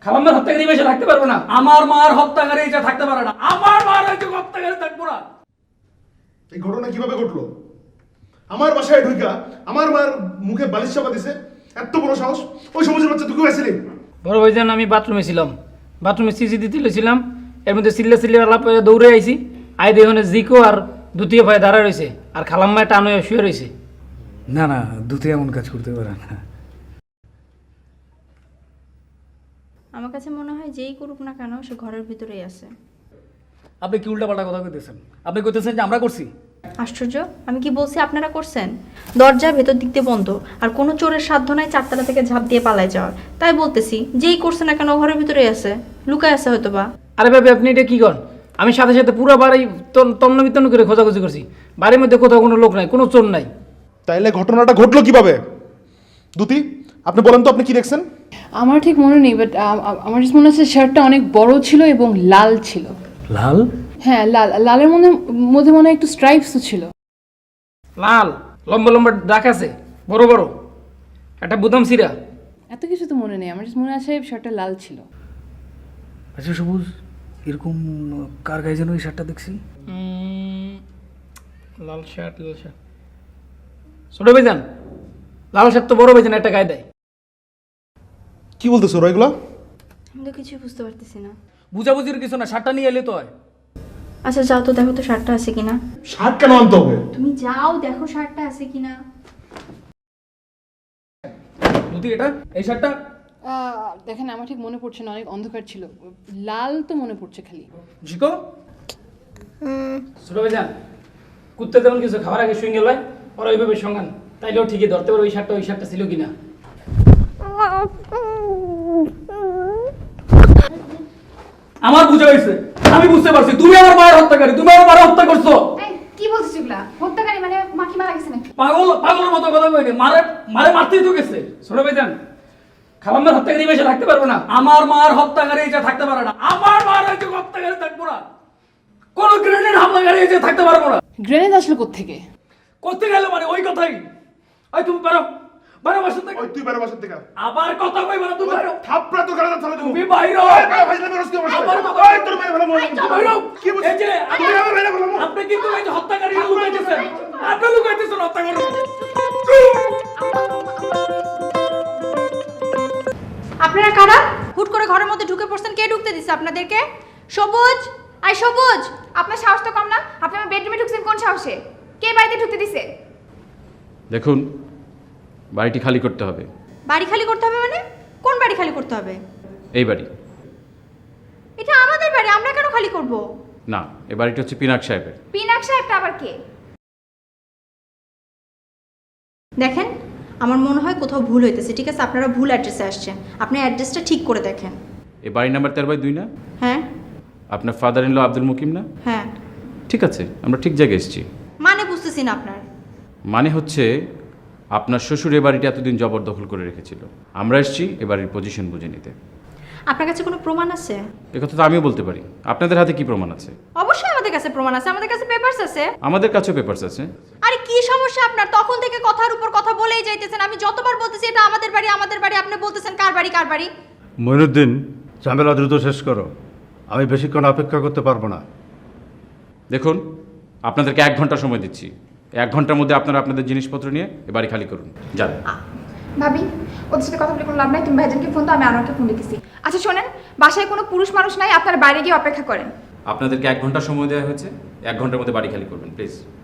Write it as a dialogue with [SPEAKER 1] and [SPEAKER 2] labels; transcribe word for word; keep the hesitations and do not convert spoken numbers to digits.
[SPEAKER 1] খালাম্মার হত্যাকারী বেশি থাকতে পারবো না।
[SPEAKER 2] আমার মার হত্যাকারী এটা থাকতে পারে না। আমার মার হয়তো হত্যাকারী থাকবো না।
[SPEAKER 3] এই ঘটনা কিভাবে ঘটলো? আমার বাসায় ঢুকা আমার মায়ের মুখে বালিশ চাপা দিছে, এত বড় সাহস! ওই সমাজের বাচ্চা তুই আসছিলি?
[SPEAKER 1] বড় ভাইজান আমি বাথরুমে ছিলাম, বাথরুমে সিসি দিতে ছিলাম, এর মধ্যে সিল্লে সিল্লে আলাপ হয়ে দৌড়ে আইছি, আই দেখে জিকো আর দ্বিতীয় ভাই দাঁড়া রয়েছে আর খালাম্মায় টান হয়ে শুয়ে রয়েছে।
[SPEAKER 2] না না, দুতে এমন কাজ করতে পারে না।
[SPEAKER 4] আমার কাছে মনে হয় যেই করুক না কেন সে ঘরের ভিতরেই আছে।
[SPEAKER 2] আপনি কি উল্টাপাল্টা কথা কইতেছেন? আপনি কইতেছেন যে আমরা করছি?
[SPEAKER 4] আশ্চর্য, আমি কি বলছি আপনারা করছেন? দরজা ভেতর দিক দিয়ে বন্ধ, আর কোনো চোরের সাধ্য নাই চারতলা থেকে ঝাঁপ দিয়ে পালায় যাওয়ার। তাই বলতেছি যেই করছে না কেন ঘরের ভিতরেই আছে, লুকায় আছে হয়তো বা।
[SPEAKER 1] আরে ভাবি আপনি এটা কি করেন? আমি সাথে সাথে পুরো বাড়ি তন্ন বিতন্ন করে খোঁজাখুঁজি করছি, বাড়ির মধ্যে কোথাও কোনো লোক নাই, কোনো চোর নাই।
[SPEAKER 3] তাইলে ঘটনাটা ঘটলো কিভাবে? দুতি, আপনি বলেন তো আপনি কি দেখছেন?
[SPEAKER 5] আমার ঠিক মনে নেই, বাট আমার just মনে হচ্ছে শার্টটা অনেক বড় ছিল এবং লাল ছিল।
[SPEAKER 2] লাল?
[SPEAKER 5] হ্যাঁ লাল, লালের মধ্যে মধ্যে মনে হয় একটু স্ট্রাইপসও ছিল।
[SPEAKER 1] লাল লম্বা লম্বা দাগ আছে, বড় বড়, একটা বুদাম সিরা।
[SPEAKER 5] এত কিছু তো মনে নেই, আমার just মনে আছে শার্টটা লাল ছিল।
[SPEAKER 2] আচ্ছা সবুজ, এরকম কার গায়ে যেন এই শার্টটা দেখছি?
[SPEAKER 1] উম, লাল শার্ট, লাল শার্ট ছোট ভাইজান, লাল শার্ট তো বড় ভাইজান একটা গায়ে দেয়।
[SPEAKER 3] কি বলতেছো ওরা এগুলো?
[SPEAKER 4] আমি তো কিছুই বুঝতে পারতেছি না।
[SPEAKER 2] বুঝাবুঝির কিছু না, শার্টটা নিয়ে এলে তো হয়।
[SPEAKER 4] আচ্ছা যাও তো দেখো তো শার্টটা আছে কিনা।
[SPEAKER 3] শার্ট কেন আনতে হবে?
[SPEAKER 4] তুমি যাও দেখো শার্টটা আছে কিনা।
[SPEAKER 2] দুতি এটা, এই শার্টটা?
[SPEAKER 5] দেখেন আমার ঠিক মনে পড়ছে না, অনেক অন্ধকার ছিল। লাল তো মনে পড়ছে খালি।
[SPEAKER 2] জিকো?
[SPEAKER 1] ছোট ভাইজান, কুত্তে তেমন কিছু খাওয়ার আগে শুয়ে গেল ওরা ওইভাবে সঙ্গান, তাইলেও ঠিকই ধরতে পারো ওই শার্টটা ওই শার্টটা ছিল কিনা।
[SPEAKER 2] আমার বুঝা হয়েছে, আমি বুঝতে পারছি তুমি আমার মায়ের হত্যাকারী, তুমি আমার মায়ের হত্যা করছো।
[SPEAKER 6] এই, কি বলছিস এগুলা? হত্যাকারী মানে মা কি মারা গেছে নাকি?
[SPEAKER 2] পাগল পাগলের মতো কথা কইনি, মারে মারে মারতেই তো গেছে।
[SPEAKER 1] ছোট ভাইজান, খালাম্মার হত্যাকারী বেশি থাকতে পারবো না।
[SPEAKER 2] আমার মার হত্যাকারী এটা থাকতে পারে না। আমার মার হয়তো হত্যাকারী থাকবো না। কোন গ্রেনেড হামলাকারী এটা থাকতে পারবো না।
[SPEAKER 5] গ্রেনেড আসলো কোত্থেকে?
[SPEAKER 2] করতে গেল মানে ওই কথাই। ওই তুমি পারো, বারো বছর থেকে
[SPEAKER 3] ওই তুই বেরো বাসার থেকে।
[SPEAKER 2] আবার কথা কইবা না, তুমি বাইরো।
[SPEAKER 3] থাপড়া তো গাড়ি চালা দেবো।
[SPEAKER 2] তুমি বাইরো।
[SPEAKER 3] এই ভাই ভাই ভাই রস্তি আমার
[SPEAKER 2] আমার
[SPEAKER 3] সাথে।
[SPEAKER 2] কথা-
[SPEAKER 3] ওই তোর ভাই ভালো মনে
[SPEAKER 2] বাইরো।
[SPEAKER 3] কি বলছিস?
[SPEAKER 2] এই যে
[SPEAKER 3] তুই আমার ভাই না বললাম।
[SPEAKER 2] আপনি কিন্তু এই যে হত্যাকারী লুকাইতেছেন, আপনি লুকাইতেছেন হত্যা করুন।
[SPEAKER 4] আপনারা কারা? হুট করে ঘরের মধ্যে ঢুকে পড়ছেন, কে ঢুকতে দিছে আপনাদেরকে? সবুজ, আই সবুজ।
[SPEAKER 6] আপনার সাহস তো কম না? আপনি আমার বেডরুমে ঢুকছেন কোন সাহসে? কে বাড়িতে ঢুকতে দিছে?
[SPEAKER 7] দেখুন, বাড়িটি খালি করতে হবে।
[SPEAKER 4] বাড়ি খালি করতে হবে মানে? কোন বাড়ি খালি করতে হবে?
[SPEAKER 7] এই বাড়ি
[SPEAKER 4] এটা আমাদের বাড়ি, আমরা কেন খালি করব?
[SPEAKER 7] না, এই বাড়িটি হচ্ছে পিনাক সাহেবের।
[SPEAKER 6] পিনাক সাহেবটা আবার কে?
[SPEAKER 4] দেখেন, আমার মনে হয় কোথাও ভুল হইতেছে। ঠিক আছে, আপনারা ভুল অ্যাড্রেসে আসছেন, আপনি অ্যাড্রেসটা ঠিক করে দেখেন।
[SPEAKER 7] এই বাড়ি নাম্বার তেরো বাই দুই না?
[SPEAKER 4] হ্যাঁ
[SPEAKER 7] আপনার father in law Abdul Mukim না?
[SPEAKER 4] হ্যাঁ।
[SPEAKER 7] ঠিক আছে, আমরা ঠিক জায়গায় এসেছি।
[SPEAKER 4] মানে বুঝতেছি না আপনার।
[SPEAKER 7] মানে হচ্ছে আপনার শ্বশুর এ বাড়িটি এতদিন জবরদখল করে রেখেছিল। আমরা এসেছি এ বাড়ির পজিশন বুঝে নিতে।
[SPEAKER 4] আপনার কাছে কোনো প্রমাণ আছে?
[SPEAKER 7] এ কথা তো আমিও বলতে পারি। আপনাদের হাতে কি প্রমাণ আছে?
[SPEAKER 4] অবশ্যই আমাদের কাছে প্রমাণ আছে, আমাদের কাছে পেপারস আছে।
[SPEAKER 7] আমাদের কাছেও পেপারস আছে।
[SPEAKER 4] আরে কি সমস্যা আপনার? তখন থেকে কথার উপর কথা বলেই যাইতেছেন। আমি যতবার বলতেছি এটা আমাদের বাড়ি আমাদের বাড়ি, আপনি বলতেছেন কার বাড়ি কার বাড়ি।
[SPEAKER 8] মইনুদ্দিন, ঝামেলা দ্রুত শেষ করো, আমি বেশিক্ষণ অপেক্ষা করতে পারবো না।
[SPEAKER 7] দেখুন, আপনাদেরকে এক ঘন্টা সময় দিচ্ছি। এক ঘন্টার মধ্যে আপনারা আপনাদের জিনিসপত্র নিয়ে এ বাড়ি খালি করুন, যান।
[SPEAKER 6] ভাবি, ওদের সাথে কথা বলে কোনো লাভ নাই। তুমি ভাইজানকে ফোন দাও, আমি আনোয়ারকে ফোন দিতেছি। আচ্ছা শোনেন, বাসায় কোনো পুরুষ মানুষ নাই, আপনারা বাইরে গিয়ে অপেক্ষা করেন।
[SPEAKER 7] আপনাদেরকে এক ঘন্টা সময় দেওয়া হয়েছে, এক ঘন্টার মধ্যে বাড়ি খালি করবেন প্লিজ।